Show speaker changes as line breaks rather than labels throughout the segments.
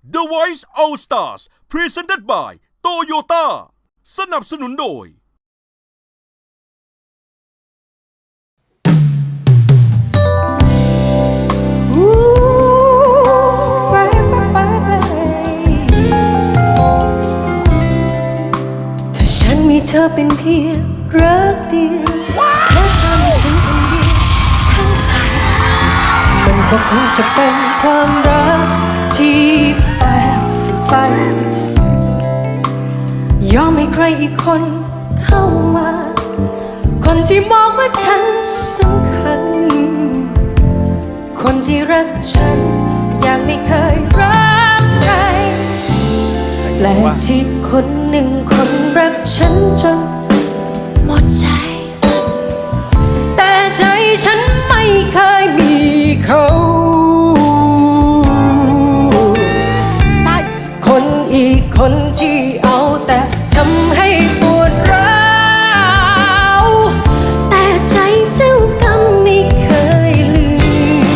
The Voice All Stars Presented by Toyota สนับสนุนโดย
ถ้าฉันมีเธอเป็นเพียงรักเดียวและเธอมีฉันคนเดียวทั้งใจมันก็คงจะเป็นความรักที่แฝงฝันยอมให้ใครอีกคนเข้ามาคนที่มองว่าฉันสำคัญคนที่รักฉันยังไม่เคยรักใครแปลกที่คนหนึ่งคนรักฉันจนหมดใจแต่ใจฉันไม่เคยมีเขาคนอีกคนที่เอาแต่ทำให้ปวดร้าวแต่ใจเจ้ากรรมไม่เคยลืม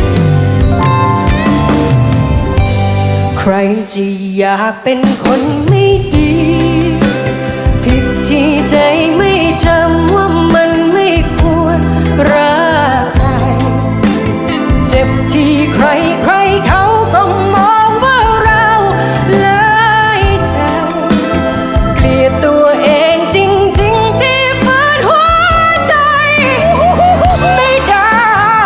ใครจะอยากเป็นคนไม่ดีผิดที่ใจไม่จำว่ามันไม่ควรรักใครเจ็บที่ใครเขาต้องมองว่าเราเลยใจเกลียดตัวเองจริงๆที่ฝืนหัวใจไม่ได้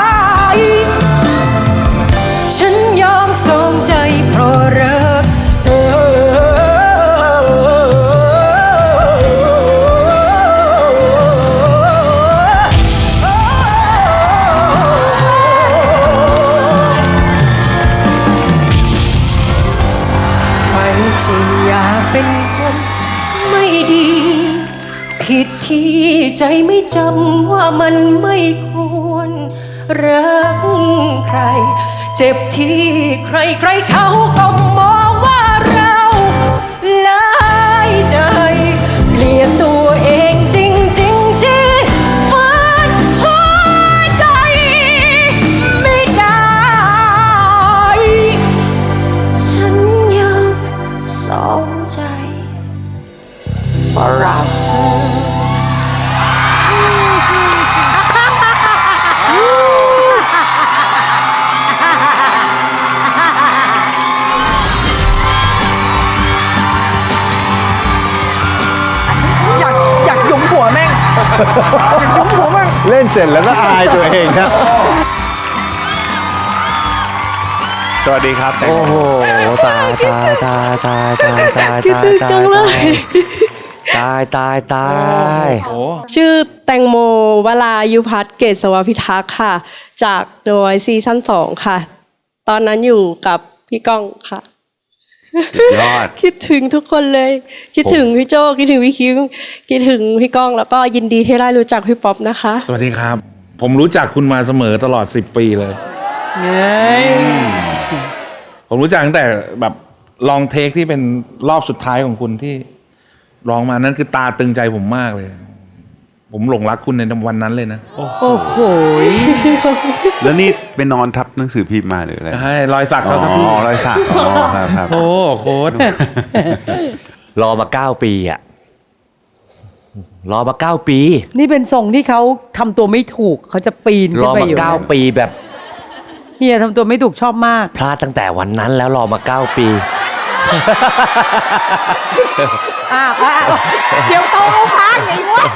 ฉันยอมส่งใจเพราะรักเธอใครจะอยากเป็นคนไม่ดีผิดที่ใจไม่จำว่ามันไม่ควรรักใครเจ็บที่ใครเขาก็มองว่าเราหลายใจเกลียดตัวเองจริงๆที่ฝืนหัวใจไม่ได้ฉันยังสองใจเพราะรักเธอ
อยากยุ้มหัวแม่ง อยากยุ้มหัวแม่ง
เล่นเสร็จแล้วก็อายตัวเองครับสวัสดีครับแตง
โอ้
โม
โหตาย
คิดถึงจังเลย
ตาย
ชื่อแตงโมวรายุพัฒน์เกษวพิทักษ์ค่ะ จาก The Voice ซีซั่น 2 ค่ะ ตอนนั้นอยู่กับพี่ก้องค่ะ
ยอด
คิดถึงทุกคนเลย คิดถึงพี่โจคิดถึงพี่คิมคิดถึงพี่ก้องแล้วก็ยินดีที่ได้รู้จักพี่ป๊อปนะคะ
สวัสดีครับ ผมรู้จักคุณมาเสมอตลอด10 ปีเลยผมรู้จักตั้งแต่แบบลองเทคที่เป็นรอบสุดท้ายของคุณที่ร้องมานั้นคือตาตึงใจผมมากเลย ผมหลงรักคุณในวันนั้นเลยนะ
โอ้โห
แล้วนี่ไปนอนทับหนังสือพิมพ์มาหรืออะไร
ใช่รอยสัก
อ๋
เขาครับพี่
อรอยสักอ๋อครับ
โอ้โค้ด
รอมา9 ปีอะรอมา9 ปี
นี่เป็นทรงที่เขาทำตัวไม่ถูกเขาจะปีน
ร
ขึ้น
อ
ไป
มา
อยู่
9 ปีแบบ
เฮียทำตัวไม่ถูกชอบมาก
พลาดตั้งแต่วันนั้นแล้วรอมา9 ปี
เดี๋ยวโตเอาพักไอ้วะ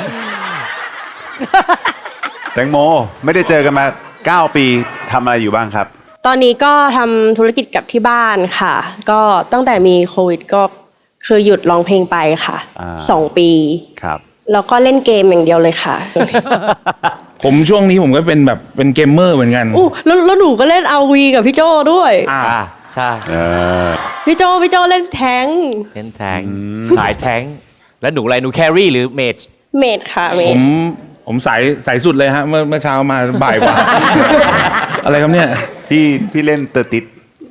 แตงโมไม่ได้เจอกันมา9 ปีทำอะไรอยู่บ้างครับ
ตอนนี้ก็ทำธุรกิจกับที่บ้านค่ะ ก็ตั้งแต่มีโควิดก็คือหยุดร้องเพลงไปค่ะ 2 ปี
ครับ
แล้วก็เล่นเกมอย่างเดียวเลยค่ะ
ผมช่วงนี้ผมก็เป็นแบบเป็นเกมเมอร์เหมือนกัน
อู้แล้วหนูก็เล่น RV กับพี่โจด้วย
ใช่
พี่โจเล่นแท้ง
เล่นแทงสายแทงแล้วหนูอะไรหนูแครี่หรือเมจ
เมดค่ะเม
ผ
ด
มสายสุดเลยฮะเมื่อเช้ามาบ่ายกว่า อะไรครับเนี่ย
พี่เล่นเตอร์ติด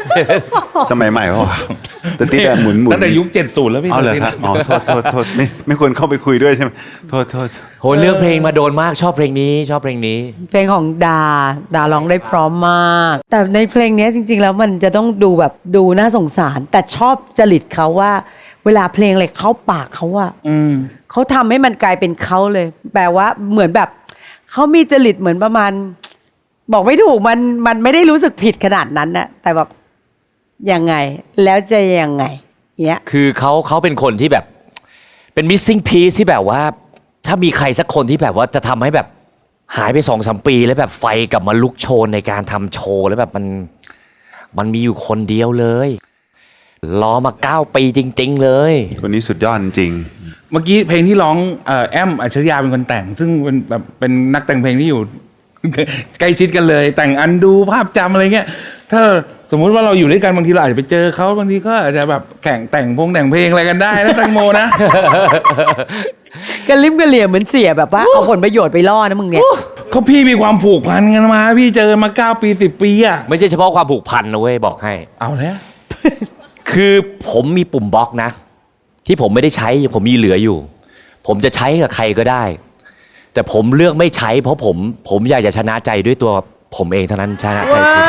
สมัยใหม่ป่ะแต่ที่แต่หมุน
ตั้งแต่ยุค 70 แล้วพี่
เอาเลยครับอ๋อโทษไม่ควรเข้าไปคุยด้วยใช่ไหมโทษ
โหเลือกเพลงมาโดนมากชอบเพลงนี้ชอบเพลงนี้
เพลงของดาร้องได้พร้อมมาก แต่ในเพลงนี้จริง ๆ แล้วมันจะต้องดูแบบดูน่าสงสาร แต่ชอบจริตเขาว่า เวลาเพลงอะไรเข้าปากเขาอะเขาทำให้มันกลายเป็นเขาเลย แปลว่าเหมือนแบบเขามีจริตเหมือนประมาณ บอกไม่ถูกมันไม่ได้รู้สึกผิดขนาดนั้นนะแต่แบบยังไงแล้วจะยังไงเนี้ย
คือเขาเป็นคนที่แบบเป็น missing piece ที่แบบว่า ถ้ามีใครสักคนที่แบบว่าจะทำให้แบบหายไป2-3 ปีแล้วแบบไฟกลับมาลุกโชนในการทำโชว์แล้วแบบมันมีอยู่คนเดียวเลยรอมา9 ปีจริง ๆ เลย
คนนี้สุดยอดจริง
เมื่อกี้เพลงที่ร้องแอมอัจฉริยะเป็นคนแต่ง ซึ่งเป็นแบบเป็นนักแต่งเพลงที่อยู่ ใกล้ชิดกันเลย แต่งอันดูภาพจำอะไรเงี้ยถ้าสมมุติว่าเราอยู่ด้วยกันบางทีเราอาจจะไปเจอเขาบางทีก็อาจจะแบบแข่งแต่งเพลงอะไรกันได้นะแตงโมนะ
กระลิมกระเหลี่ยเหมือนเสียแบบว่าเอาผลประโยชน์ไปล่อนะมึงเนี่ย
เขาพี่มีความผูกพันกันมา พี่เจอมา9 ปี10 ปีอะ
ไม่ใช่เฉพาะความผูกพันนะเว้ยบอกให้
เอาแล้ว
คือผมมีปุ่มบล็อกนะ ที่ผมไม่ได้ใช้ผมมีเหลืออยู่ ผมจะใช้กับใครก็ได้ แต่ผมเลือกไม่ใช้เพราะผมอยากจะชนะใจด้วยตัวผมเองเท่านั้นชนะใจคุณ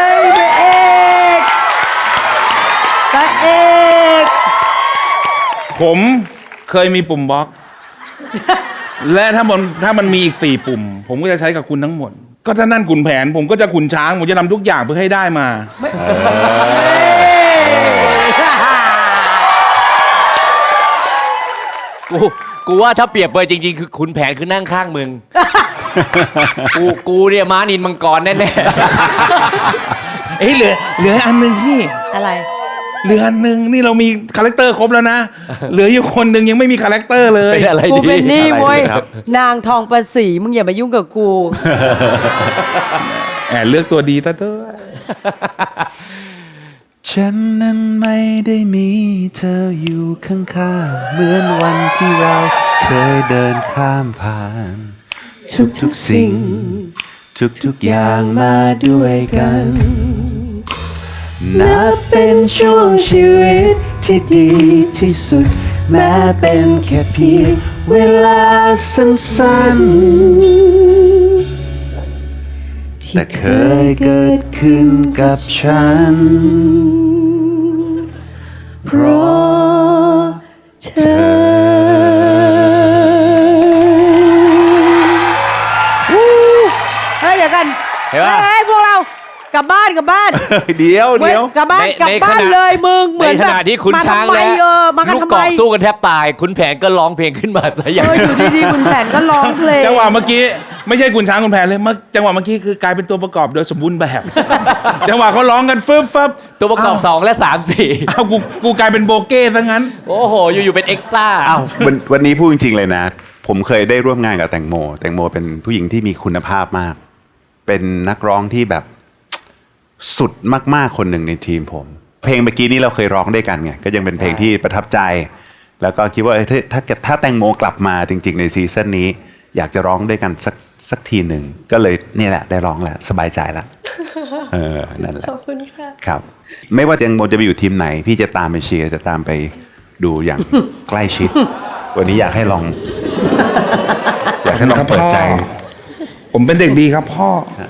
พระเอก
ผมเคยมีปุ่มบล็อก และถ้ามันมีอีก4 ปุ่ม ผมก็จะใช้กับคุณทั้งหมด ก็ถ้านั่นขุนแผน ผมก็จะขุนช้าง ผมจะทำทุกอย่างเพื่อให้ได้มา
กูว่าถ้าเปรียบเปรยจริง ๆ คือขุนแผนคือนั่งข้างมึง กูเนี่ยม้านินมังกรแน่
เอ้ยเหลืออันหนึ่งพี่
อะไร
เหลืออันหนึ่งนี่เรามีคาแรคเตอร์ครบแล้วนะ เหลืออยู่คนหนึ่งยังไม่มีคาแรคเตอร์เล
ๆ
ย
เป็นอะไร
กู
ดี
เป็นนี่เว้ย
อะไรดีครับ
นางทองประสีมึงอย่ามายุ่งกับกู
แอบเลือกตัวดีซะด้วย
ฉันนั้นไม่ได้มีเธออยู่ข้างๆเหมือนวันที่เราเคยเดินข้ามผ่าน ทุกๆสิ่ง ทุกๆอย่างมาด้วยกัน นับเป็นช่วงชีวิตที่ดีที่สุด แม้เป็นแค่เพียงเวลาสั้นๆแต่เคยเกิดขึ้นกับฉัน เพราะเธอ
เฮ้ยเดี๋ยวกัน
เห็นปะ
เฮ้ยพวกเรากลับบ้าน
เดี๋ยว
เว้ยกลับบ้าน
ใน
กลับบ้าน
ในขณะ
เลยมึงเหมือน
ในข
แบบ
ณะที่ขุนช้าง
มาทำไม
และ
มากัน
ลูก
ทำ
ก
ไม
อกสู้กันแทบตายขุนแผนก็ร้องเพลงขึ้นมาซะอย่าง
อยู่ดีๆคุณแผนก็ร้องเพลง
จังหวะเมื่อกี้ไม่ใช่คุณช้างคุณแผนเลยจังหวะเมื่อกี้คือกลายเป็นตัวประกอบโดยสมบูรณ์แบบ จังหวะเขาร้องกันฟึบฟับ
ตัวประกอบ2และ3 4
เอากูกลายเป็นโบเก้ซะงั้น
โอ้โหอยู่ๆเป็นเอ็กซ์ตร้า
อ้าววันนี้พูดจริงๆเลยนะ ผมเคยได้ร่วมงานกับแตงโมเป็นผู้หญิงที่มีคุณภาพมาก เป็นนักร้องที่แบบสุดมากๆคนหนึ่งในทีมผม เพลงเมื่อกี้นี้เราเคยร้องด้วยกันไงก็ยังเป็นเพลงที่ประทับใจ แล้วก็คิดว่าถ้าแตงโมกลับมาจริงๆในซีซั่นนี้ อยากจะร้องด้วยกันสักทีหนึ่งก็เลยนี่แหละได้ร้องแล้วสบายใจแล้วนั่นแหละขอบคุณค่ะครับ ไม่ว่าแตงโมจะไปอยู่ทีมไหน พี่จะตามไปเชียร์จะตามไปดูอย่าง ใกล้ชิด วันนี้อยากให้ลองเปิดใจ
ผมเป็นเด็กดีครับพ่อ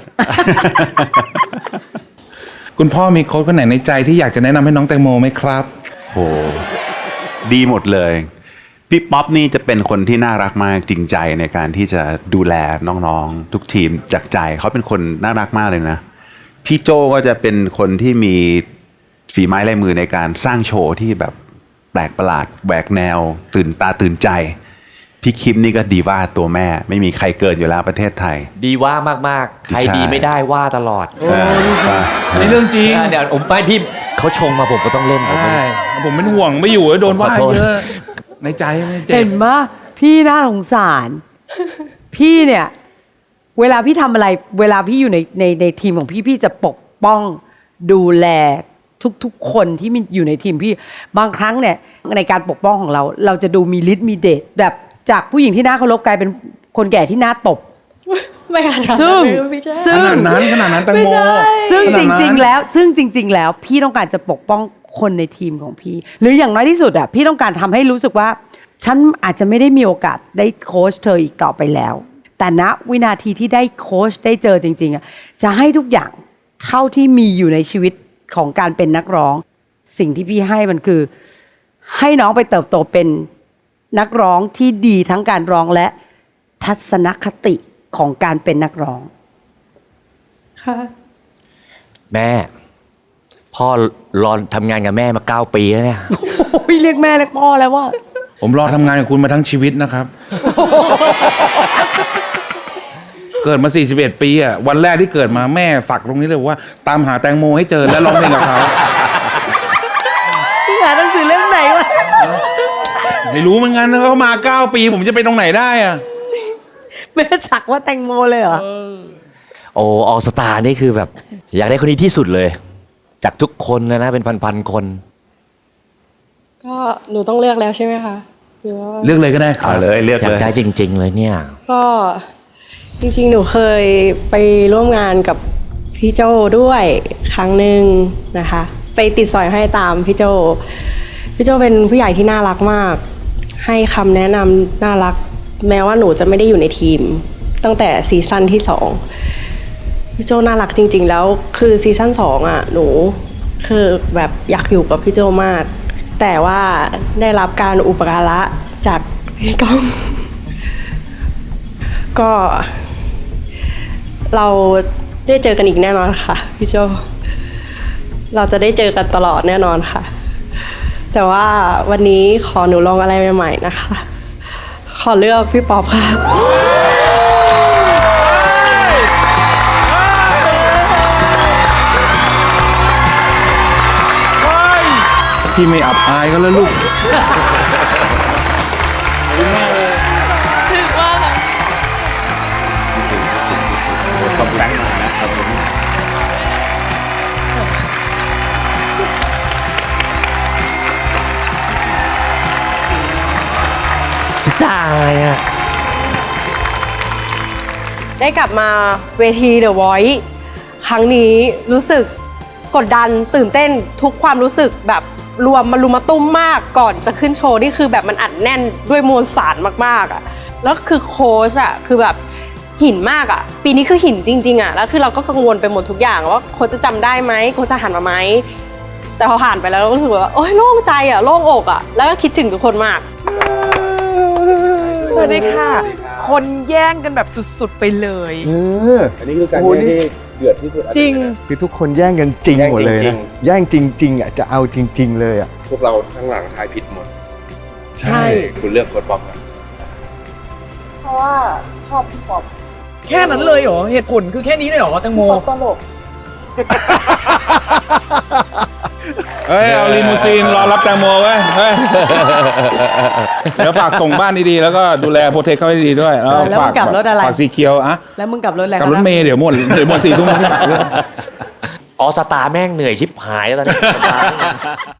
คุณพ่อมีโค้ชคนไหนในใจที่อยากจะแนะนำให้น้องแตงโมไหมครับ
โหดีหมดเลย พี่ป๊อปนี่จะเป็นคนที่น่ารักมากจริงใจในการที่จะดูแลน้องๆทุกทีมจากใจเขาเป็นคนน่ารักมากเลยนะพี่โจก็จะเป็นคนที่มีฝีไม้ลายมือในการสร้างโชว์ที่แบบแปลกประหลาดแหวกแนวตื่นตาตื่นใจพี่คิมนี่ก็ดีว่าตัวแม่ไม่มีใครเกินอยู่แล้วประเทศไทย
ดีว่ามากๆ ใคร
ใช่
ดีไม่ได้ว่าตลอด
อันนี้เรื่องจริง
เดี๋ยวผมไปพี่เขาชงมาผมก็ต้องเล่นผม
ใช่ผมเป็นห่วงไม่อยู่แล้วโดนว่า
ขอโทษ
เยอะในใจไม่เจ็
เห็
บ
นมะพี่น่าสงสาร พี่เนี่ย เวลาพี่ทำอะไร เวลาพี่อยู่ในทีมของพี่จะปกป้องดูแลทุกคนที่มีอยู่ในทีมพี่บางครั้งเนี่ยในการปกป้องของเราจะดูมีฤทธิ์มีเดชแบบจากผู้หญิงที่น่าเคารพกลายเป็นคนแก่ที่น่าตบ
ไม่ขนาดนั้น
ซึ่ง
ไม่ใช่
ซึ่
ข
ง
นาดนั้นแตง
ไม่
โม
ใช่
ซึ่ง
ข
จ
นาดนั้น
ริง ๆ แล้วพี่ต้องการจะปกป้องคนในทีมของพี่ หรืออย่างน้อยที่สุดอ่ะพี่ต้องการทำให้รู้สึกว่า ฉันอาจจะไม่ได้มีโอกาสได้โค้ชเธออีกต่อไปแล้ว แต่ณวินาทีที่ได้โค้ชได้เจอจริงๆอ่ะจะให้ทุกอย่างเท่าที่มีอยู่ในชีวิตของการเป็นนักร้อง สิ่งที่พี่ให้มันคือ ให้น้องไปเติบโตเป็นนักร้องที่ดีทั้งการร้องและทัศนคติของการเป็นนักร้อง
ค่ะ
แม่ พ่อรอทำงานกับแม่มา9 ปีแล้วเนี่ย
โอ้ยเรียกแม่เรียกพ่อแล้วว่า
ผมรอทำงานกับคุณมาทั้งชีวิตนะครับ เกิดมา 41 ปีอ่ะวันแรกที่เกิดมาแม่ฝักตรงนี้เลยว่า ตามหาแตงโมให้เจอและร้องเพลงกับเขา
พี่หาหนังสือเล่มไหนวะ
ไม่รู้เหมือนกันนะเขามา 9 ปี ผมจะไปตรงไหนได้อ่ะ
แม่สักว่าแตงโมเลยเหรอ
โอ้ออสตานี่คือแบบ อยากได้คนนี้ที่สุดเลย จากทุกคนนะเป็นพันๆคน
ก็หนูต้องเลือกแล้วใช่ไหมคะหรือว่า
เลือกเลยก็ได้ครั
เอา
บ
เลยเลือก
อยา
เล
ก
ย
ได้จริง ๆ เลยเนี่ย
ก็จริงๆหนูเคยไปร่วมงานกับพี่โจด้วยครั้งหนึ่งนะคะ ไปติดสอยให้ตามพี่โจเป็นผู้ใหญ่ที่น่ารักมาก ให้คำแนะนำน่ารัก แม้ว่าหนูจะไม่ได้อยู่ในทีม ตั้งแต่ซีซั่นที่2พี่โจน่ารักจริง ๆ แล้วคือซีซั่น2อ่ะหนูคือแบบอยากอยู่กับพี่โจมาก แต่ว่าได้รับการอุปการะจากพี่ก้อง ก็เราได้เจอกันอีกแน่นอนค่ะพี่โจเราจะได้เจอกันตลอดแน่นอนค่ะ แต่ว่าวันนี้ขอหนูลองอะไรใหม่ๆนะคะ ขอเลือกพี่ป๊อปค่ะ
พี่ไม่อับอายก็แล้วลูก
สิตายอ่ะ
ได้กลับมาเวที The Voice ครั้งนี้รู้สึกกดดันตื่นเต้นทุกความรู้สึกแบบรวมมารุมมาตุ้มมากก่อนจะขึ้นโชว์นี่คือแบบมันอัดแน่นด้วยมวลสารมากๆอ่ะแล้วคือโค้ชอ่ะคือแบบหินมากอ่ะปีนี้คือหินจริงๆอ่ะแล้วคือเราก็กังวลไปหมดทุกอย่างว่าโค้ชจะจำได้ไหมโค้ชจะหันมาไหมแต่พอผ่านไปแล้วเราก็รู้สึกว่าโอ๊ยโล่งใจอ่ะโล่งอกอ่ะแล้วก็คิดถึงทุกคนมาก
สวัสดีค่ะ คนแย่งกันแบบสุดๆไปเลย
อันนี้คือการแย่งที่เดือดที่สุด
จริง
คือทุกคนแย่งกันจริงหมดเลยนะแย่งจริงๆอ่ะจะเอาจริง ๆ เลยอ่ะ
พวกเราทั้งหลังทายผิดหมด
ใช่
คุณเลือกโค้ดป๊อปอะ
เพราะว่าชอบพี่ป๊อป
แค่นั้นเลยเหรอ เหตุผลคือแค่นี้เลยเหรอแตงโม
ตลก
เฮ้ย เอาลีมูซีนรอรับแตงโมไว้เฮ้ย เดี๋ยวฝากส่งบ้านดีๆ แล้วก็ดูแลโปรเทคเขาให้ดีๆด้วย แล้ว
แล้วมึ
ฝาง ก
กลับรถอะไร
ฝากสีเขียวอะ
แล้วมึงกลับรถอะไร
กับรถเมย์เดี๋ยวหมด4 ทุ่ม
ออสตาแม่งเหนื่อยชิบหายแล้วตอนนี้